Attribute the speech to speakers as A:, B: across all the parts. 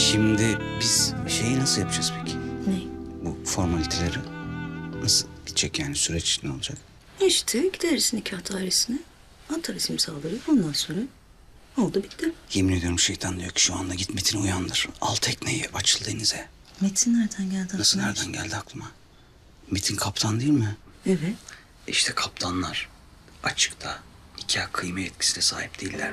A: Şimdi biz şeyi nasıl yapacağız peki?
B: Ne?
A: Bu formaliteleri nasıl gidecek yani süreç ne olacak?
B: İşte gideriz nikah dairesine. Atarız imzaları. Ondan sonra oldu bitti.
A: Yemin ediyorum şeytan diyor ki şu anda git Metin'i uyandır. Al tekneyi açıl denize.
B: Metin nereden geldi aklına?
A: Nasıl nereden geldi aklıma? Metin kaptan değil mi?
B: Evet.
A: İşte kaptanlar açıkta nikah kıyma yetkisine sahip değiller.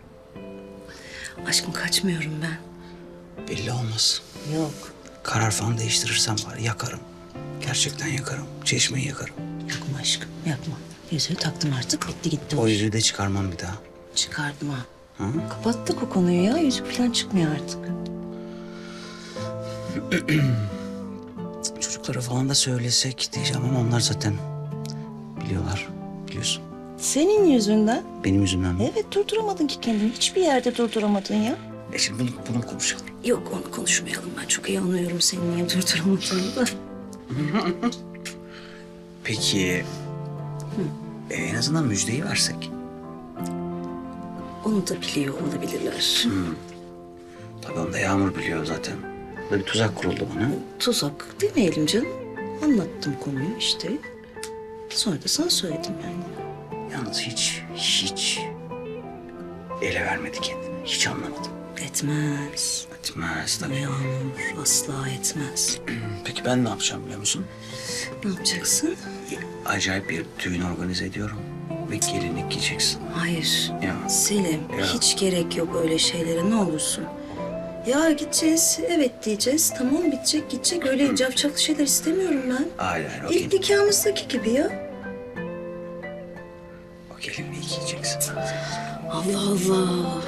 B: Aşkım kaçmıyorum ben.
A: Belli olmaz.
B: Yok.
A: Karar falan değiştirirsem var yakarım. Gerçekten yakarım. Çeşmeyi yakarım.
B: Yapma aşkım yapma. Yüzüğü taktım artık bitti gitti.
A: O yüzüğü de çıkarmam bir daha.
B: Çıkardım ha.
A: Hı?
B: Kapattık o konuyu ya. Yüzük falan çıkmıyor artık.
A: Çocuklara falan da söylesek diyeceğim ama onlar zaten biliyorlar. Biliyorsun.
B: Senin yüzünden.
A: Benim yüzümden mi?
B: Evet durduramadın ki kendini. Hiçbir yerde durduramadın ya.
A: Şimdi bunu konuşalım.
B: Yok onu konuşmayalım. Ben çok iyi anlıyorum seni niye durduramadığını da.
A: Peki en azından müjdeyi versek.
B: Onu da biliyor olabilirler.
A: Tabii onu da Yağmur biliyor zaten. Burada bir tuzak kuruldu bana.
B: Tuzak demeyelim canım. Anlattım konuyu işte. Sonra da sana söyledim yani.
A: Yalnız hiç ele vermedi kendini. Hiç anlamadım.
B: Etmez.
A: Etmez tabii.
B: Yağmur asla etmez.
A: Peki ben ne yapacağım biliyor musun?
B: Ne yapacaksın?
A: Acayip bir düğün organize ediyorum. Ve gelinlik giyeceksin.
B: Hayır.
A: Ya.
B: Selim
A: Ya.
B: hiç gerek yok öyle şeylere ne olursun. Ya gideceğiz, evet diyeceğiz. Tamam bitecek, gidecek. Öyle cafcaflı şeyler istemiyorum ben.
A: Hayır o,
B: İlk nikahımızdaki gibi ya.
A: o gelinliği giyeceksin.
B: Allah Allah.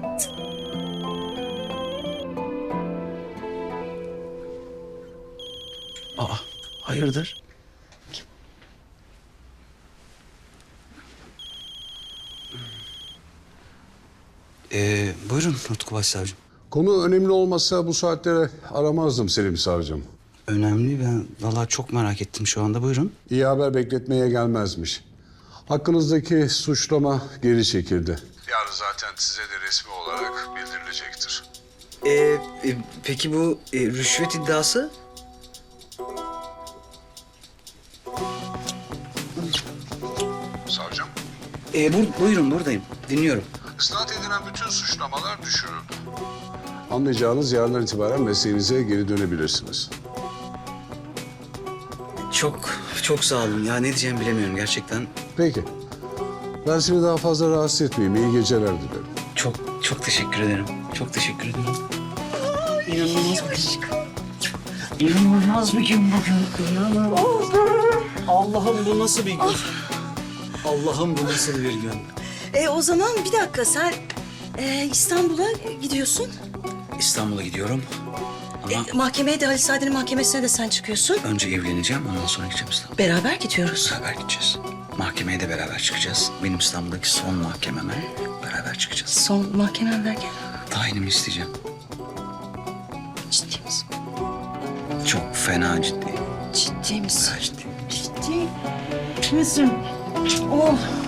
A: Aa hayırdır? Buyurun Utku Başsavcım.
C: Konu önemli olmasa bu saatlere aramazdım Selim Savcım.
A: Önemli ben vallahi çok merak ettim şu anda buyurun.
C: İyi haber bekletmeye gelmezmiş. Hakkınızdaki suçlama geri çekildi. Yarın zaten size de resmi olarak bildirilecektir.
A: Peki bu rüşvet iddiası?
C: Savcım,
A: Buyurun buradayım dinliyorum.
C: isnat edilen bütün suçlamalar düşürüldü. Anlayacağınız yarından itibaren mesleğinize geri dönebilirsiniz.
A: Çok sağ olun ya ne diyeceğimi bilemiyorum gerçekten.
C: Peki. Ben seni daha fazla rahatsız etmeyeyim. İyi geceler dilerim.
A: Çok teşekkür ederim. Çok teşekkür ederim. İnanılmaz bir gün. İnanılmaz bir gün bugün. İnanılmaz. Allah'ım bu nasıl bir gün? Allah'ım bu nasıl bir gün?
B: O zaman bir dakika sen İstanbul'a gidiyorsun.
A: İstanbul'a gidiyorum. Ama
B: Mahkemeye de Halis Saadet'in mahkemesine de sen çıkıyorsun.
A: önce evleneceğim ondan sonra gideceğim İstanbul'a.
B: Beraber gidiyoruz.
A: Beraber gideceğiz. Mahkemeye de beraber çıkacağız. Benim İstanbul'daki son mahkememe beraber çıkacağız.
B: Son mahkemen derken
A: Tayinimi isteyeceğim.
B: ciddi misin?
A: Çok fena ciddi.
B: Ciddi misin?
A: Fena ciddi.
B: Ciddi misin? Oh.